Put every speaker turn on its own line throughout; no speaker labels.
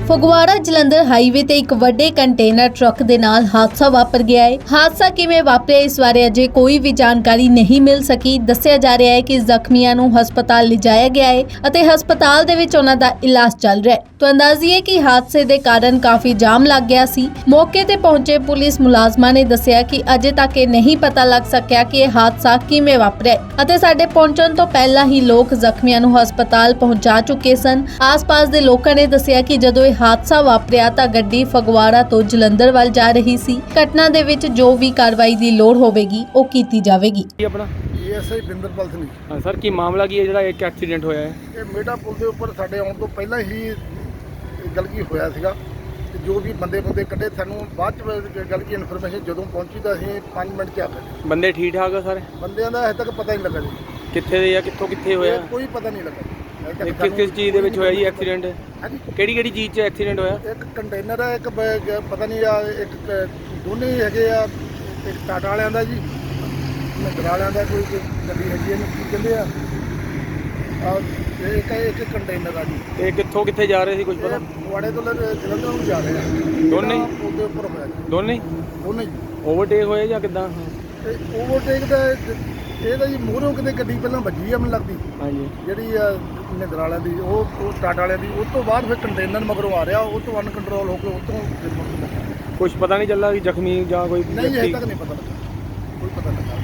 Phagwara Jalandhar highway ਤੇ ਇੱਕ ਵੱਡੇ ਕੰਟੇਨਰ ਟਰੱਕ ਦੇ ਨਾਲ ਹਾਦਸਾ ਵਾਪਰ ਗਿਆ ਹੈ। ਹਾਦਸਾ ਕਿਵੇਂ ਵਾਪਰਿਆ ਇਸ ਬਾਰੇ ਅਜੇ ਕੋਈ ਵੀ ਜਾਣਕਾਰੀ ਨਹੀਂ ਮਿਲ ਸਕੀ। ਦੱਸਿਆ ਜਾ ਰਿਹਾ ਹੈ ਕਿ ਜ਼ਖਮੀਆਂ ਨੂੰ ਹਸਪਤਾਲ ਲਿਜਾਇਆ ਗਿਆ ਹੈ ਅਤੇ ਹਸਪਤਾਲ ਦੇ ਵਿੱਚ ਉਹਨਾਂ ਦਾ ਇਲਾਜ ਚੱਲ ਰਿਹਾ ਹੈ। ਤਾਂ ਅੰਦਾਜ਼ੀਏ ਕਿ ਹਾਦਸੇ ਦੇ ਕਾਰਨ ਕਾਫੀ ਜਾਮ ਲੱਗ ਗਿਆ ਸੀ। ਮੌਕੇ ਤੇ ਪਹੁੰਚੇ ਪੁਲਿਸ ਮੁਲਾਜ਼ਮਾਂ ਨੇ ਦੱਸਿਆ ਕਿ ਅਜੇ ਤੱਕ ਇਹ ਨਹੀਂ ਪਤਾ ਲੱਗ ਸਕਿਆ ਕਿ ਇਹ ਹਾਦਸਾ ਕਿਵੇਂ ਵਾਪਰਿਆ ਅਤੇ ਸਾਡੇ ਪਹੁੰਚਣ ਤੋਂ ਪਹਿਲਾਂ ਹੀ ਲੋਕ ਜ਼ਖਮੀਆਂ ਨੂੰ ਹਸਪਤਾਲ ਪਹੁੰਚਾ ਚੁੱਕੇ ਸਨ। ਆਸ-ਪਾਸ ਦੇ ਲੋਕਾਂ ਨੇ ਦੱਸਿਆ ਕਿ ਜਦੋਂ ਇਹ ਹਾਦਸਾ ਵਾਪਰਿਆ ਤਾਂ ਗੱਡੀ ਫਗਵਾੜਾ ਤੋਂ ਜਲੰਧਰ ਵੱਲ ਜਾ ਰਹੀ ਸੀ। ਘਟਨਾ ਦੇ ਵਿੱਚ ਜੋ ਵੀ ਕਾਰਵਾਈ ਦੀ ਲੋੜ ਹੋਵੇਗੀ ਉਹ ਕੀਤੀ ਜਾਵੇਗੀ।
ਆਪਣਾ
ਐਸਆਈ ਬਿੰਦਰਪਾਲ ਸਿੰਘ।
ਹਾਂ ਸਰ, ਕੀ ਮਾਮਲਾ ਕੀ ਹੈ ਜਿਹੜਾ ਇੱਕ ਐਕਸੀਡੈਂਟ ਹੋਇਆ ਹੈ?
ਇਹ ਮੇਡਾ ਪੁਲ ਦੇ ਉੱਪਰ ਸਾਡੇ ਆਉਣ ਤੋਂ ਪਹਿਲਾਂ ਹੀ ਗਲਤੀ ਹੋਇਆ ਸੀਗਾ ਤੇ ਜੋ ਵੀ ਬੰਦੇ ਕੱਢੇ, ਸਾਨੂੰ ਬਾਅਦ ਚ ਗਲਤੀ ਇਨਫੋਰਮੇਸ਼ਨ ਜਦੋਂ ਪਹੁੰਚੀ ਤਾਂ ਅਸੀਂ 5 ਮਿੰਟ ਚ ਆ ਗਏ।
ਬੰਦੇ ਠੀਕ ਠਾਕ ਆ ਸਾਰੇ?
ਬੰਦਿਆਂ ਦਾ ਹਜੇ ਤੱਕ ਪਤਾ ਨਹੀਂ ਲੱਗਾ ਜੀ
ਕਿੱਥੇ ਦੇ ਆ, ਕਿੱਥੇ ਹੋਇਆ?
ਕੋਈ ਪਤਾ ਨਹੀਂ ਲੱਗਾ ਜੀ।
ਕਿਸ ਚੀਜ਼ ਦੇ ਵਿੱਚ ਹੋਇਆ ਜੀ ਐਕਸੀਡੈਂਟ?
ਹਾਂਜੀ,
ਕਿਹੜੀ ਚੀਜ਼ 'ਚ ਐਕਸੀਡੈਂਟ ਹੋਇਆ?
ਇੱਕ ਕੰਟੇਨਰ ਹੈ, ਇੱਕ ਪਤਾ ਨਹੀਂ ਆ, ਇੱਕ ਦੋਨੇ ਹੀ ਹੈਗੇ ਆ। ਇੱਕ ਟਾਟਾ ਵਾਲਿਆਂ ਦਾ ਜੀ, ਮਹਿੰਦਰਾ ਵਾਲਿਆਂ ਦਾ ਕੋਈ ਗੱਡੀ ਹੈਗੀ, ਇਹਨੂੰ ਕੀ ਕਹਿੰਦੇ ਆ, ਇੱਕ ਕੰਟੇਨਰ ਆ ਜੀ।
ਤੇ ਕਿੱਥੇ ਜਾ ਰਹੇ ਸੀ, ਕੁਝ ਪਤਾ?
ਫਗਵਾੜੇ ਤੋਂ ਜਲੰਧਰ ਨੂੰ ਜਾ ਰਹੇ ਆ।
ਦੋਨੇ ਹੀ?
ਉਹਦੇ ਉੱਪਰ ਹੋਇਆ ਜੀ।
ਦੋਨੇ
ਜੀ
ਓਵਰਟੇਕ ਹੋਏ ਜਾਂ ਕਿੱਦਾਂ?
ਤੇ ਓਵਰਟੇਕ ਦਾ ਇਹ ਤਾਂ ਜੀ ਮੂਹਰੋਂ ਕਿਤੇ ਗੱਡੀ ਪਹਿਲਾਂ ਵੱਜੀ ਆ ਮੈਨੂੰ ਲੱਗਦੀ,
ਹਾਂਜੀ,
ਜਿਹੜੀ ਆ ਮਹਿੰਦਰਾ ਵਾਲਿਆਂ ਦੀ, ਉਹ ਟਾਟਾ ਵਾਲਿਆਂ ਦੀ। ਉਸ ਤੋਂ ਬਾਅਦ ਫਿਰ ਕੰਟੇਨਰ ਮਗਰੋਂ ਆ ਰਿਹਾ, ਉਹ ਤੋਂ ਅਨਕੰਟਰੋਲ ਹੋ ਕੇ ਉਹ ਤੋਂ
ਕੁਝ ਪਤਾ ਨਹੀਂ ਚੱਲਾ ਕਿ ਜ਼ਖਮੀ ਜਾਂ ਕੋਈ
ਨਹੀਂ, ਹਜੇ ਤੱਕ ਨਹੀਂ ਪਤਾ ਲੱਗਾ, ਕੋਈ ਪਤਾ ਲੱਗਾ।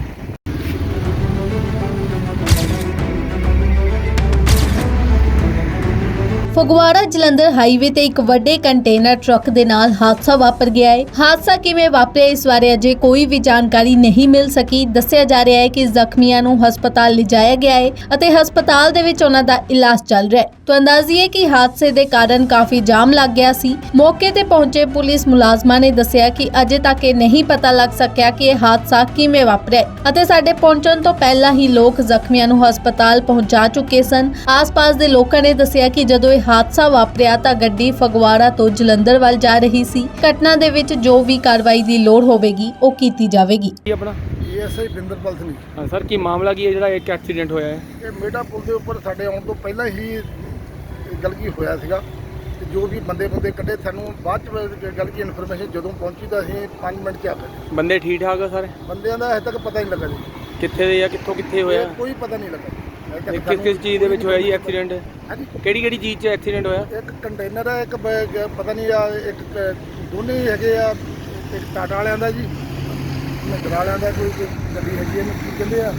ਫਗਵਾੜਾ ਜਲੰਧਰ ਹਾਈਵੇ ਤੇ ਇੱਕ ਵੱਡੇ ਕੰਟੇਨਰ ਟਰੱਕ ਦੇ ਨਾਲ ਹਾਦਸਾ ਵਾਪਰ ਗਿਆ ਹੈ। ਹਾਦਸਾ ਕਿਵੇਂ ਵਾਪਰਿਆ ਇਸ ਬਾਰੇ ਅਜੇ ਕੋਈ ਵੀ ਜਾਣਕਾਰੀ ਨਹੀਂ ਮਿਲ ਸਕੀ। ਦੱਸਿਆ ਜਾ ਰਿਹਾ ਹੈ ਕਿ ਜ਼ਖਮੀਆਂ ਨੂੰ ਹਸਪਤਾਲ ਲਿਜਾਇਆ ਗਿਆ ਹੈ ਅਤੇ ਹਸਪਤਾਲ ਦੇ ਵਿੱਚ ਉਹਨਾਂ ਦਾ ਇਲਾਜ ਚੱਲ ਰਿਹਾ ਹੈ। ਤਾਂ ਅੰਦਾਜ਼ੀਏ ਕਿ ਹਾਦਸੇ ਦੇ ਕਾਰਨ ਕਾਫੀ ਜਾਮ ਲੱਗ ਗਿਆ ਸੀ। ਮੌਕੇ ਤੇ ਪਹੁੰਚੇ ਪੁਲਿਸ ਮੁਲਾਜ਼ਮਾਂ ਨੇ ਦੱਸਿਆ ਕਿ ਅਜੇ ਤੱਕ ਇਹ ਨਹੀਂ ਪਤਾ ਲੱਗ ਸਕਿਆ ਕਿ ਇਹ ਹਾਦਸਾ ਕਿਵੇਂ ਵਾਪਰਿਆ ਅਤੇ ਸਾਡੇ ਪਹੁੰਚਣ ਤੋਂ ਪਹਿਲਾਂ ਹੀ ਲੋਕ ਜ਼ਖਮੀਆਂ ਨੂੰ ਹਸਪਤਾਲ ਪਹੁੰਚਾ ਚੁੱਕੇ ਸਨ। ਆਸ-ਪਾਸ ਦੇ ਲੋਕਾਂ ਨੇ ਦੱਸਿਆ ਕਿ ਜਦੋਂ ਇਹ ਹਾਦਸਾ ਵਾਪਰਿਆ ਤਾਂ ਗੱਡੀ ਫਗਵਾੜਾ ਤੋਂ ਜਲੰਧਰ ਵੱਲ ਜਾ ਰਹੀ ਸੀ। ਘਟਨਾ ਦੇ ਵਿੱਚ ਜੋ ਵੀ ਕਾਰਵਾਈ ਦੀ ਲੋੜ ਹੋਵੇਗੀ ਉਹ ਕੀਤੀ ਜਾਵੇਗੀ।
ਆਪਣਾ
ਐਸਆਈ ਬਿੰਦਰਪਾਲ ਸਿੰਘ।
ਹਾਂ ਸਰ, ਕੀ ਮਾਮਲਾ ਕੀ ਹੈ ਜਿਹੜਾ ਇੱਕ ਐਕਸੀਡੈਂਟ ਹੋਇਆ ਹੈ?
ਇਹ ਮੇਡਾ ਪੁਲ ਦੇ ਉੱਪਰ ਸਾਡੇ ਆਉਣ ਤੋਂ ਪਹਿਲਾਂ ਹੀ ਗਲਤੀ ਹੋਇਆ ਸੀਗਾ ਤੇ ਜੋ ਵੀ ਬੰਦੇ ਕੱਢੇ, ਸਾਨੂੰ ਬਾਅਦ ਚ ਗਲਤੀ ਇਨਫੋਰਮੇਸ਼ਨ ਜਦੋਂ ਪਹੁੰਚੀ ਤਾਂ ਅਸੀਂ 5 ਮਿੰਟ ਚ ਆ ਗਏ।
ਬੰਦੇ ਠੀਕ ਠਾਕ ਆ ਸਾਰੇ?
ਬੰਦਿਆਂ ਦਾ ਹਜੇ ਤੱਕ ਪਤਾ ਨਹੀਂ ਲੱਗਾ ਜੀ
ਕਿੱਥੇ ਦੇ ਆ, ਕਿੱਥੇ ਹੋਇਆ?
ਕੋਈ ਪਤਾ ਨਹੀਂ ਲੱਗਾ ਜੀ।
ਕਿਸ ਚੀਜ਼ ਦੇ ਵਿੱਚ ਹੋਇਆ ਜੀ ਐਕਸੀਡੈਂਟ?
ਹਾਂਜੀ,
ਕਿਹੜੀ ਚੀਜ਼ 'ਚ ਐਕਸੀਡੈਂਟ ਹੋਇਆ?
ਇੱਕ ਕੰਟੇਨਰ ਹੈ, ਇੱਕ ਪਤਾ ਨਹੀਂ ਆ, ਇੱਕ ਦੋਨੇ ਹੀ ਹੈਗੇ ਆ। ਇੱਕ ਟਾਟਾ ਵਾਲਿਆਂ ਦਾ ਜੀ, ਮਹਿੰਦਰਾ ਵਾਲਿਆਂ ਦਾ ਕੋਈ ਗੱਡੀ ਹੈਗੀ, ਇਹਨੂੰ ਕੀ ਕਹਿੰਦੇ ਆ,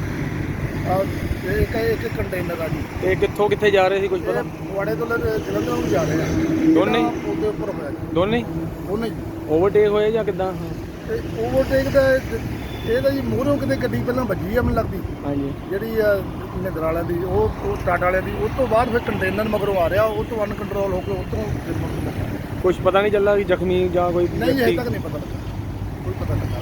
ਇੱਕ ਕੰਟੇਨਰ ਆ ਜੀ।
ਤੇ ਕਿੱਥੇ ਜਾ ਰਹੇ ਸੀ, ਕੁਝ ਪਤਾ?
ਫਗਵਾੜੇ ਤੋਂ ਜਲੰਧਰ ਨੂੰ ਜਾ ਰਹੇ ਆ।
ਦੋਨੇ ਹੀ?
ਉਹਦੇ ਉੱਪਰ ਹੋਇਆ ਜੀ।
ਦੋਨੇ
ਜੀ
ਓਵਰਟੇਕ ਹੋਏ ਜਾਂ ਕਿੱਦਾਂ?
ਤੇ ਓਵਰਟੇਕ ਦਾ ਇਹ ਤਾਂ ਜੀ ਮੂਹਰੋਂ ਕਿਤੇ ਗੱਡੀ ਪਹਿਲਾਂ ਵੱਜੀ ਆ ਮੈਨੂੰ ਲੱਗਦੀ,
ਹਾਂਜੀ,
ਜਿਹੜੀ ਆ ਮਹਿੰਦਰਾ ਵਾਲਿਆਂ ਦੀ, ਉਹ ਟਾਟਾ ਵਾਲਿਆਂ ਦੀ। ਉਸ ਤੋਂ ਬਾਅਦ ਫਿਰ ਕੰਟੇਨਰ ਮਗਰੋਂ ਆ ਰਿਹਾ, ਉਹ ਤੋਂ ਅਨਕੰਟਰੋਲ ਹੋ ਕੇ ਉਹ ਤੋਂ
ਕੁਝ ਪਤਾ ਨਹੀਂ ਚੱਲਾ ਕਿ ਜ਼ਖਮੀ ਜਾਂ ਕੋਈ
ਨਹੀਂ, ਹਜੇ ਤੱਕ ਨਹੀਂ ਪਤਾ ਲੱਗਾ, ਕੋਈ ਪਤਾ ਲੱਗਾ।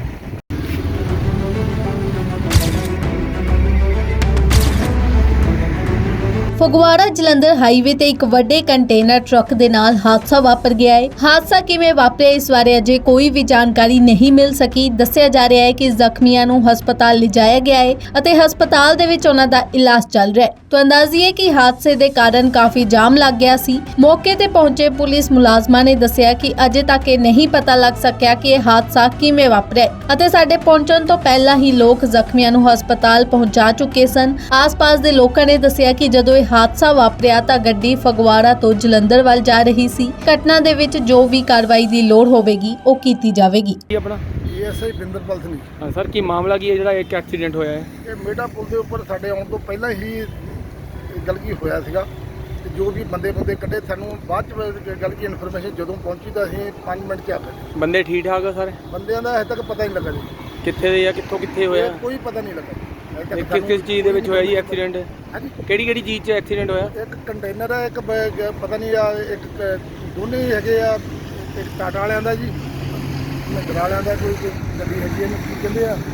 ਫਗਵਾੜਾ ਜਲੰਧਰ ਹਾਈਵੇ ਤੇ ਇੱਕ ਵੱਡੇ ਕੰਟੇਨਰ ਟਰੱਕ ਦੇ ਨਾਲ ਹਾਦਸਾ ਵਾਪਰ ਗਿਆ ਹੈ। ਹਾਦਸਾ ਕਿਵੇਂ ਵਾਪਰਿਆ ਇਸ ਬਾਰੇ ਅਜੇ ਕੋਈ ਵੀ ਜਾਣਕਾਰੀ ਨਹੀਂ ਮਿਲ ਸਕੀ। ਦੱਸਿਆ ਜਾ ਰਿਹਾ ਹੈ ਕਿ ਜ਼ਖਮੀਆਂ ਨੂੰ ਹਸਪਤਾਲ ਲਿਜਾਇਆ ਗਿਆ ਹੈ ਅਤੇ ਹਸਪਤਾਲ ਦੇ ਵਿੱਚ ਉਹਨਾਂ ਦਾ ਇਲਾਜ ਚੱਲ ਰਿਹਾ ਹੈ। ਤਾਂ ਅੰਦਾਜ਼ੀਏ ਕਿ ਹਾਦਸੇ ਦੇ ਕਾਰਨ ਕਾਫੀ ਜਾਮ ਲੱਗ ਗਿਆ ਸੀ। ਮੌਕੇ ਤੇ ਪਹੁੰਚੇ ਪੁਲਿਸ ਮੁਲਾਜ਼ਮਾਂ ਨੇ ਦੱਸਿਆ ਕਿ ਅਜੇ ਤੱਕ ਇਹ ਨਹੀਂ ਪਤਾ ਲੱਗ ਸਕਿਆ ਕਿ ਇਹ ਹਾਦਸਾ ਕਿਵੇਂ ਵਾਪਰਿਆ ਅਤੇ ਸਾਡੇ ਪਹੁੰਚਣ ਤੋਂ ਪਹਿਲਾਂ ਹੀ ਲੋਕ ਜ਼ਖਮੀਆਂ ਨੂੰ ਹਸਪਤਾਲ ਪਹੁੰਚਾ ਚੁੱਕੇ ਸਨ। ਆਸ-ਪਾਸ ਦੇ ਲੋਕਾਂ ਨੇ ਦੱਸਿਆ ਕਿ ਜਦੋਂ ਇਹ ਹਾਦਸਾ ਵਾਪਰਿਆ ਤਾਂ ਗੱਡੀ ਫਗਵਾੜਾ ਤੋਂ ਜਲੰਧਰ ਵੱਲ ਜਾ ਰਹੀ ਸੀ। ਘਟਨਾ ਦੇ ਵਿੱਚ ਜੋ ਵੀ ਕਾਰਵਾਈ ਦੀ ਲੋੜ ਹੋਵੇਗੀ ਉਹ ਕੀਤੀ ਜਾਵੇਗੀ।
ਆਪਣਾ
ਐਸਆਈ ਬਿੰਦਰਪਾਲ ਸਿੰਘ।
ਹਾਂ ਸਰ, ਕੀ ਮਾਮਲਾ ਕੀ ਹੈ ਜਿਹੜਾ ਇੱਕ ਐਕਸੀਡੈਂਟ ਹੋਇਆ ਹੈ?
ਇਹ ਮੇਡਾ ਪੁਲ ਦੇ ਉੱਪਰ ਸਾਡੇ ਆਉਣ ਤੋਂ ਪਹਿਲਾਂ ਹੀ ਗਲਤੀ ਹੋਇਆ ਸੀਗਾ ਤੇ ਜੋ ਵੀ ਬੰਦੇ ਕੱਢੇ, ਸਾਨੂੰ ਬਾਅਦ ਚ ਗਲਤੀ ਇਨਫੋਰਮੇਸ਼ਨ ਜਦੋਂ ਪਹੁੰਚੀ ਤਾਂ ਅਸੀਂ 5 ਮਿੰਟ ਚ ਆ ਗਏ।
ਬੰਦੇ ਠੀਕ ਠਾਕ ਆ ਸਾਰੇ?
ਬੰਦਿਆਂ ਦਾ ਹਜੇ ਤੱਕ ਪਤਾ ਨਹੀਂ ਲੱਗਾ ਜੀ
ਕਿੱਥੇ ਦੇ ਆ, ਕਿੱਥੇ ਹੋਇਆ?
ਕੋਈ ਪਤਾ ਨਹੀਂ ਲੱਗਾ ਜੀ।
ਕਿਸ ਚੀਜ਼ ਦੇ ਵਿੱਚ ਹੋਇਆ ਜੀ ਐਕਸੀਡੈਂਟ?
ਹਾਂਜੀ,
ਕਿਹੜੀ ਚੀਜ਼ 'ਚ ਐਕਸੀਡੈਂਟ ਹੋਇਆ?
ਇੱਕ ਕੰਟੇਨਰ ਹੈ, ਇੱਕ ਪਤਾ ਨਹੀਂ ਆ, ਇੱਕ ਦੋਨੇ ਹੀ ਹੈਗੇ ਆ। ਇੱਕ ਟਾਟਾ ਵਾਲਿਆਂ ਦਾ ਜੀ, ਮਹਿੰਦਰਾ ਵਾਲਿਆਂ ਦਾ ਕੋਈ ਗੱਡੀ ਹੈਗੀ, ਇਹਨੂੰ ਕੀ ਕਹਿੰਦੇ ਆ,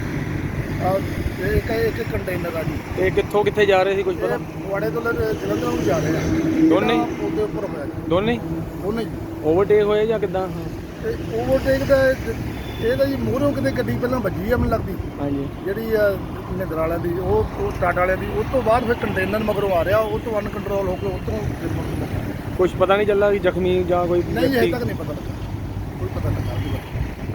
ਇੱਕ ਕੰਟੇਨਰ ਆ ਜੀ।
ਤੇ ਕਿੱਥੇ ਜਾ ਰਹੇ ਸੀ, ਕੁਝ ਪਤਾ?
ਫਗਵਾੜੇ ਤੋਂ ਜਲੰਧਰ ਨੂੰ ਜਾ ਰਹੇ ਆ।
ਦੋਨੇ
ਉਹਦੇ ਉੱਪਰ ਹੋਇਆ ਜੀ।
ਦੋਨੇ
ਜੀ
ਓਵਰਟੇਕ ਹੋਏ ਜਾਂ ਕਿੱਦਾਂ?
ਤੇ ਓਵਰਟੇਕ ਦਾ ਇਹ ਤਾਂ ਜੀ ਮੂਹਰੋਂ ਕਿਤੇ ਗੱਡੀ ਪਹਿਲਾਂ ਵੱਜੀ ਆ ਮੈਨੂੰ ਲੱਗਦੀ,
ਹਾਂਜੀ,
ਜਿਹੜੀ ਆ ਮਹਿੰਦਰਾ ਵਾਲਿਆਂ ਦੀ, ਉਹ ਟਾਟਾ ਵਾਲਿਆਂ ਦੀ। ਉਸ ਤੋਂ ਬਾਅਦ ਫਿਰ ਕੰਟੇਨਰ ਮਗਰੋਂ ਆ ਰਿਹਾ, ਉਹ ਤੋਂ ਅਨਕੰਟਰੋਲ ਹੋ ਕੇ ਉਹ ਤੋਂ
ਕੁਝ ਪਤਾ ਨਹੀਂ ਚੱਲਾ ਕਿ ਜ਼ਖਮੀ ਜਾਂ ਕੋਈ
ਨਹੀਂ ਹਜੇ
ਵਿਅਕਤੀ?
ਤੱਕ ਨਹੀਂ ਪਤਾ ਲੱਗਾ, ਕੋਈ ਪਤਾ ਲੱਗਾ ਉਹਦੀ ਬਾਰੇ।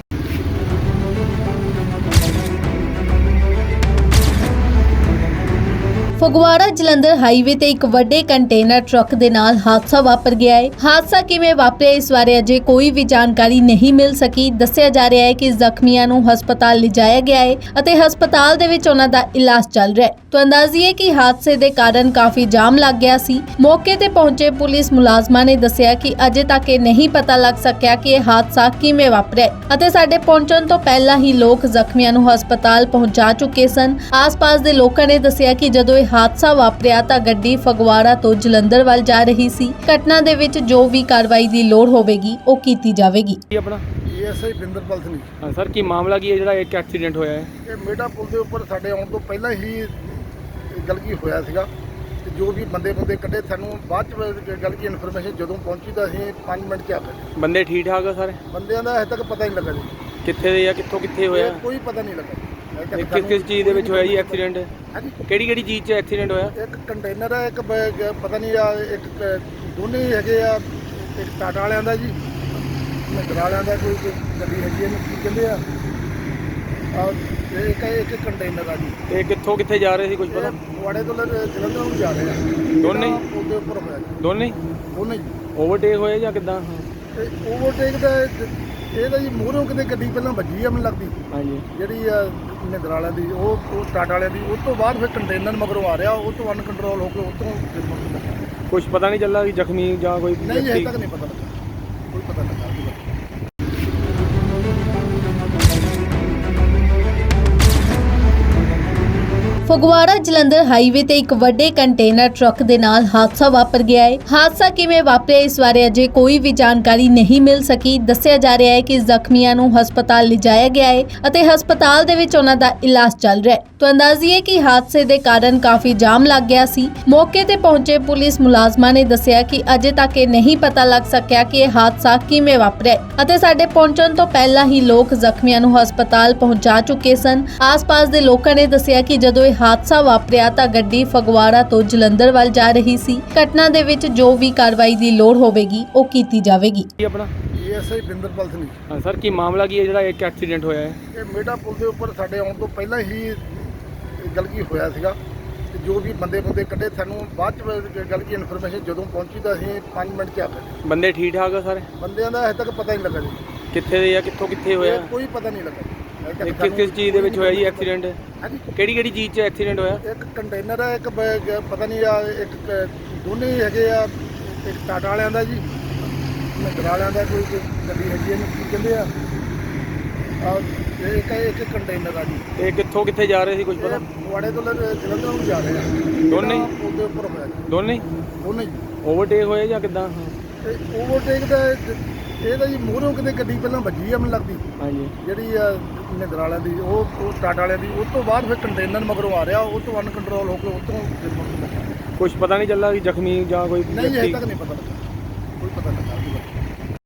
ਫਗਵਾੜਾ ਜਲੰਧਰ ਹਾਈਵੇ ਤੇ ਇੱਕ ਵੱਡੇ ਕੰਟੇਨਰ ਟਰੱਕ ਦੇ ਨਾਲ ਹਾਦਸਾ ਵਾਪਰ ਗਿਆ ਹੈ। ਹਾਦਸਾ ਕਿਵੇਂ ਵਾਪਰਿਆ ਇਸ ਬਾਰੇ ਅਜੇ ਕੋਈ ਵੀ ਜਾਣਕਾਰੀ ਨਹੀਂ ਮਿਲ ਸਕੀ। ਦੱਸਿਆ ਜਾ ਰਿਹਾ ਹੈ ਕਿ ਜ਼ਖਮੀਆਂ ਨੂੰ ਹਸਪਤਾਲ ਲਿਜਾਇਆ ਗਿਆ ਹੈ ਅਤੇ ਹਸਪਤਾਲ ਦੇ ਵਿੱਚ ਉਹਨਾਂ ਦਾ ਇਲਾਜ ਚੱਲ ਰਿਹਾ ਹੈ। ਤਾਂ ਅੰਦਾਜ਼ੀਏ ਕਿ ਹਾਦਸੇ ਦੇ ਕਾਰਨ ਕਾਫੀ ਜਾਮ ਲੱਗ ਗਿਆ ਸੀ। ਮੌਕੇ ਤੇ ਪਹੁੰਚੇ ਪੁਲਿਸ ਮੁਲਾਜ਼ਮਾਂ ਨੇ ਦੱਸਿਆ ਕਿ ਅਜੇ ਤੱਕ ਇਹ ਨਹੀਂ ਪਤਾ ਲੱਗ ਸਕਿਆ ਕਿ ਇਹ ਹਾਦਸਾ ਕਿਵੇਂ ਵਾਪਰਿਆ ਹੈ ਅਤੇ ਸਾਡੇ ਪਹੁੰਚਣ ਤੋਂ ਪਹਿਲਾਂ ਹੀ ਲੋਕ ਜ਼ਖਮੀਆਂ ਨੂੰ ਹਸਪਤਾਲ ਪਹੁੰਚਾ ਚੁੱਕੇ ਸਨ। ਆਸ-ਪਾਸ ਦੇ ਲੋਕਾਂ ਨੇ ਦੱਸਿਆ ਕਿ ਜਦੋਂ ਇਹ ਹਾਦਸਾ ਵਾਪਰਿਆ ਤਾਂ ਗੱਡੀ ਫਗਵਾੜਾ ਤੋਂ ਜਲੰਧਰ ਵੱਲ ਜਾ ਰਹੀ ਸੀ। ਘਟਨਾ ਦੇ ਵਿੱਚ ਜੋ ਵੀ ਕਾਰਵਾਈ ਦੀ ਲੋੜ ਹੋਵੇਗੀ ਉਹ ਕੀਤੀ ਜਾਵੇਗੀ।
ਕੀ ਆਪਣਾ?
ਐਸਆਈ ਬਿੰਦਰਪਾਲ ਸਿੰਘ।
ਹਾਂ ਸਰ, ਕੀ ਮਾਮਲਾ ਕੀ ਹੈ ਜਿਹੜਾ ਇੱਕ ਐਕਸੀਡੈਂਟ ਹੋਇਆ ਹੈ?
ਇਹ ਮੇਡਾ ਪੁਲ ਦੇ ਉੱਪਰ ਸਾਡੇ ਆਉਣ ਤੋਂ ਪਹਿਲਾਂ ਹੀ ਗਲਤੀ ਹੋਇਆ ਸੀਗਾ ਤੇ ਜੋ ਵੀ ਬੰਦੇ ਕੱਢੇ ਸਾਨੂੰ ਬਾਅਦ ਚ ਗਲਤੀ ਇਨਫੋਰਮੇਸ਼ਨ ਜਦੋਂ ਪਹੁੰਚੀ ਤਾਂ ਅਸੀਂ 5 ਮਿੰਟ ਚ ਆ ਗਏ।
ਬੰਦੇ ਠੀਕ ਠਾਕ ਆ ਸਾਰੇ?
ਬੰਦਿਆਂ ਦਾ ਹਜੇ ਤੱਕ ਪਤਾ ਨਹੀਂ ਲੱਗਾ ਜੀ,
ਕਿੱਥੇ ਦੇ ਆ, ਕਿੱਥੇ ਹੋਇਆ?
ਇਹ ਕੋਈ ਪਤਾ ਨਹੀਂ ਲੱਗਾ ਹਜੇ ਤੱਕ
ਇਹ ਕਿਸ ਚੀਜ਼ ਦੇ ਵਿੱਚ ਹੋਇਆ ਜੀ ਐਕਸੀਡੈਂਟ?
ਹਾਂਜੀ,
ਕਿਹੜੀ ਚੀਜ਼ 'ਚ ਐਕਸੀਡੈਂਟ ਹੋਇਆ?
ਇੱਕ ਕੰਟੇਨਰ ਹੈ, ਇੱਕ ਪਤਾ ਨਹੀਂ ਆ, ਇੱਕ ਦੋਨੇ ਹੀ ਹੈਗੇ ਆ। ਇੱਕ ਟਾਟਾ ਵਾਲਿਆਂ ਦਾ ਜੀ, ਮਹਿੰਦਰਾ ਵਾਲਿਆਂ ਦਾ ਕੋਈ ਗੱਡੀ ਹੈਗੀ ਇਹਨੂੰ ਕੀ ਕਹਿੰਦੇ ਆ, ਇੱਕ ਕੰਟੇਨਰ ਆ ਜੀ।
ਤੇ ਕਿੱਥੇ ਜਾ ਰਹੇ ਸੀ ਕੁਝ ਪਤਾ?
ਫਗਵਾੜੇ ਤੋਂ ਜਲੰਧਰ ਨੂੰ ਜਾ ਰਹੇ ਆ।
ਦੋਨੇ ਹੀ?
ਉਹਦੇ ਉੱਪਰ ਹੋਇਆ ਜੀ,
ਦੋਨੇ
ਦੋਨੇ ਜੀ।
ਓਵਰਟੇਕ ਹੋਏ ਜਾਂ ਕਿੱਦਾਂ?
ਤੇ ਓਵਰਟੇਕ ਦਾ ਇਹ ਤਾਂ ਜੀ ਮੂਹਰੋਂ ਕਿਤੇ ਗੱਡੀ ਪਹਿਲਾਂ ਵੱਜੀ ਆ ਮੈਨੂੰ ਲੱਗਦੀ,
ਹਾਂਜੀ।
ਜਿਹੜੀ ਆ ਮਹਿੰਦਰਾ ਵਾਲਿਆਂ ਦੀ, ਉਹ ਟਾਟਾ ਵਾਲਿਆਂ ਦੀ। ਉਸ ਤੋਂ ਬਾਅਦ ਫਿਰ ਕੰਟੇਨਰ ਮਗਰੋਂ ਆ ਰਿਹਾ, ਉਹ ਤੋਂ ਅਨਕੰਟਰੋਲ ਹੋ ਕੇ ਉਹ ਤੋਂ ਫਿਰ ਮਗਰ ਲੱਗਾ।
ਕੁਝ ਪਤਾ ਨਹੀਂ ਚੱਲਾ ਕਿ ਜ਼ਖਮੀ ਜਾਂ ਕੋਈ
ਨਹੀਂ ਹਜੇ
ਵਿਅਕਤੀ?
ਤੱਕ ਨਹੀਂ ਪਤਾ ਲੱਗਾ, ਕੋਈ ਪਤਾ ਲੱਗਾ ਉਹਦੀ ਬਾਰੇ।
ਫਗਵਾੜਾ ਜਲੰਧਰ ਹਾਈਵੇ ਤੇ ਇੱਕ ਵੱਡੇ ਕੰਟੇਨਰ ਟਰੱਕ ਦੇ ਨਾਲ ਹਾਦਸਾ ਵਾਪਰ ਗਿਆ ਹੈ। ਹਾਦਸਾ ਕਿਵੇਂ ਵਾਪਰਿਆ ਇਸ ਬਾਰੇ ਅਜੇ ਕੋਈ ਵੀ ਜਾਣਕਾਰੀ ਨਹੀਂ ਮਿਲ ਸਕੀ। ਦੱਸਿਆ ਜਾ ਰਿਹਾ ਹੈ ਕਿ ਜ਼ਖਮੀਆਂ ਨੂੰ ਹਸਪਤਾਲ ਲਿਜਾਇਆ ਗਿਆ ਹੈ ਅਤੇ ਹਸਪਤਾਲ ਦੇ ਵਿੱਚ ਉਹਨਾਂ ਦਾ ਇਲਾਜ ਚੱਲ ਰਿਹਾ ਹੈ। ਤਾਂ ਅੰਦਾਜ਼ੀਏ ਕਿ ਹਾਦਸੇ ਦੇ ਕਾਰਨ ਕਾਫੀ ਜਾਮ ਲੱਗ ਗਿਆ ਸੀ। ਮੌਕੇ ਤੇ ਪਹੁੰਚੇ ਪੁਲਿਸ ਮੁਲਾਜ਼ਮਾਂ ਨੇ ਦੱਸਿਆ ਕਿ ਅਜੇ ਤੱਕ ਇਹ ਨਹੀਂ ਪਤਾ ਲੱਗ ਸਕਿਆ ਕਿ ਇਹ ਹਾਦਸਾ ਕਿਵੇਂ ਵਾਪਰਿਆ ਹੈ ਅਤੇ ਸਾਡੇ ਪਹੁੰਚਣ ਤੋਂ ਪਹਿਲਾਂ ਹੀ ਲੋਕ ਜ਼ਖਮੀਆਂ ਨੂੰ ਹਸਪਤਾਲ ਪਹੁੰਚਾ ਚੁੱਕੇ ਸਨ। ਆਸ-ਪਾਸ ਦੇ ਲੋਕਾਂ ਨੇ ਦੱਸਿਆ ਕਿ ਜਦੋਂ ਹਾਦਸਾ ਵਾਪਰਿਆ ਤਾਂ ਗੱਡੀ ਫਗਵਾੜਾ ਤੋਂ ਜਲੰਧਰ ਵੱਲ ਜਾ ਰਹੀ ਸੀ। ਘਟਨਾ ਦੇ ਵਿੱਚ ਜੋ ਵੀ ਕਾਰਵਾਈ ਦੀ ਲੋੜ ਹੋਵੇਗੀ ਉਹ ਕੀਤੀ ਜਾਵੇਗੀ।
ਕੀ ਆਪਣਾ?
ਐਸਆਈ ਬਿੰਦਰਪਾਲ ਸਿੰਘ।
ਹਾਂ ਸਰ, ਕੀ ਮਾਮਲਾ ਕੀ ਹੈ ਜਿਹੜਾ ਇੱਕ ਐਕਸੀਡੈਂਟ ਹੋਇਆ ਹੈ?
ਇਹ ਮੇਡਾ ਪੁਲ ਦੇ ਉੱਪਰ ਸਾਡੇ ਆਉਣ ਤੋਂ ਪਹਿਲਾਂ ਹੀ ਗਲਤੀ ਹੋਇਆ ਸੀਗਾ ਤੇ ਜੋ ਵੀ ਬੰਦੇ ਕੱਢੇ ਸਾਨੂੰ ਬਾਅਦ ਚ ਗਲਤੀ ਇਨਫੋਰਮੇਸ਼ਨ ਜਦੋਂ ਪਹੁੰਚੀ ਤਾਂ ਅਸੀਂ 5 ਮਿੰਟ ਚ ਆ ਗਏ।
ਬੰਦੇ ਠੀਕ ਠਾਕ ਆ ਸਾਰੇ?
ਬੰਦਿਆਂ ਦਾ ਹਜੇ ਤੱਕ ਪਤਾ ਨਹੀਂ ਲੱਗਾ ਜੀ,
ਕਿੱਥੇ ਦੇ ਆ, ਕਿੱਥੇ ਹੋਇਆ?
ਇਹ ਕੋਈ ਪਤਾ ਨਹੀਂ ਲੱਗਾ ਹਜੇ ਤੱਕ
ਇਹ ਕਿਸ ਚੀਜ਼ ਦੇ ਵਿੱਚ ਹੋਇਆ ਜੀ ਐਕਸੀਡੈਂਟ?
ਹਾਂਜੀ,
ਕਿਹੜੀ ਚੀਜ਼ 'ਚ ਐਕਸੀਡੈਂਟ ਹੋਇਆ?
ਇੱਕ ਕੰਟੇਨਰ ਹੈ, ਇੱਕ ਪਤਾ ਨਹੀਂ ਆ, ਇੱਕ ਦੋਨੇ ਹੀ ਹੈਗੇ ਆ। ਇੱਕ ਟਾਟਾ ਵਾਲਿਆਂ ਦਾ ਜੀ, ਮਹਿੰਦਰਾ ਵਾਲਿਆਂ ਦਾ ਕੋਈ ਗੱਡੀ ਹੈਗੀ ਇਹਨੂੰ ਕੀ ਕਹਿੰਦੇ ਆ, ਇੱਕ ਕੰਟੇਨਰ ਆ ਜੀ।
ਤੇ ਕਿੱਥੇ ਜਾ ਰਹੇ ਸੀ ਕੁਝ ਪਤਾ?
ਫਗਵਾੜੇ ਤੋਂ ਜਲੰਧਰ ਨੂੰ ਜਾ ਰਹੇ ਆ।
ਦੋਨੇ ਹੀ?
ਉਹਦੇ ਉੱਪਰ ਹੋਇਆ ਜੀ,
ਦੋਨੇ
ਦੋਨੇ ਜੀ।
ਓਵਰਟੇਕ ਹੋਏ ਜਾਂ ਕਿੱਦਾਂ?
ਤੇ ਓਵਰਟੇਕ ਦਾ ਇਹ ਤਾਂ ਜੀ ਮੂਹਰੋਂ ਕਿਤੇ ਗੱਡੀ ਪਹਿਲਾਂ ਵੱਜੀ ਆ ਮੈਨੂੰ ਲੱਗਦੀ,
ਹਾਂਜੀ।
ਜਿਹੜੀ ਆ ਮਹਿੰਦਰਾ ਵਾਲਿਆਂ ਦੀ, ਉਹ ਟਾਟਾ ਵਾਲਿਆਂ ਦੀ। ਉਸ ਤੋਂ ਬਾਅਦ ਫਿਰ ਕੰਟੇਨਰ ਮਗਰੋਂ ਆ ਰਿਹਾ, ਉਹ ਤੋਂ ਅਨਕੰਟਰੋਲ ਹੋ ਕੇ ਉਹ ਤੋਂ ਫਿਰ ਮਗਰ ਲੱਗਾ।
ਕੁਝ ਪਤਾ ਨਹੀਂ ਚੱਲਾ ਕਿ ਜ਼ਖਮੀ ਜਾਂ ਕੋਈ
ਨਹੀਂ ਹਜੇ
ਵਿਅਕਤੀ?
ਤੱਕ ਨਹੀਂ ਪਤਾ ਲੱਗਾ, ਕੋਈ ਪਤਾ ਲੱਗਾ ਉਹਦੀ ਬਾਰੇ।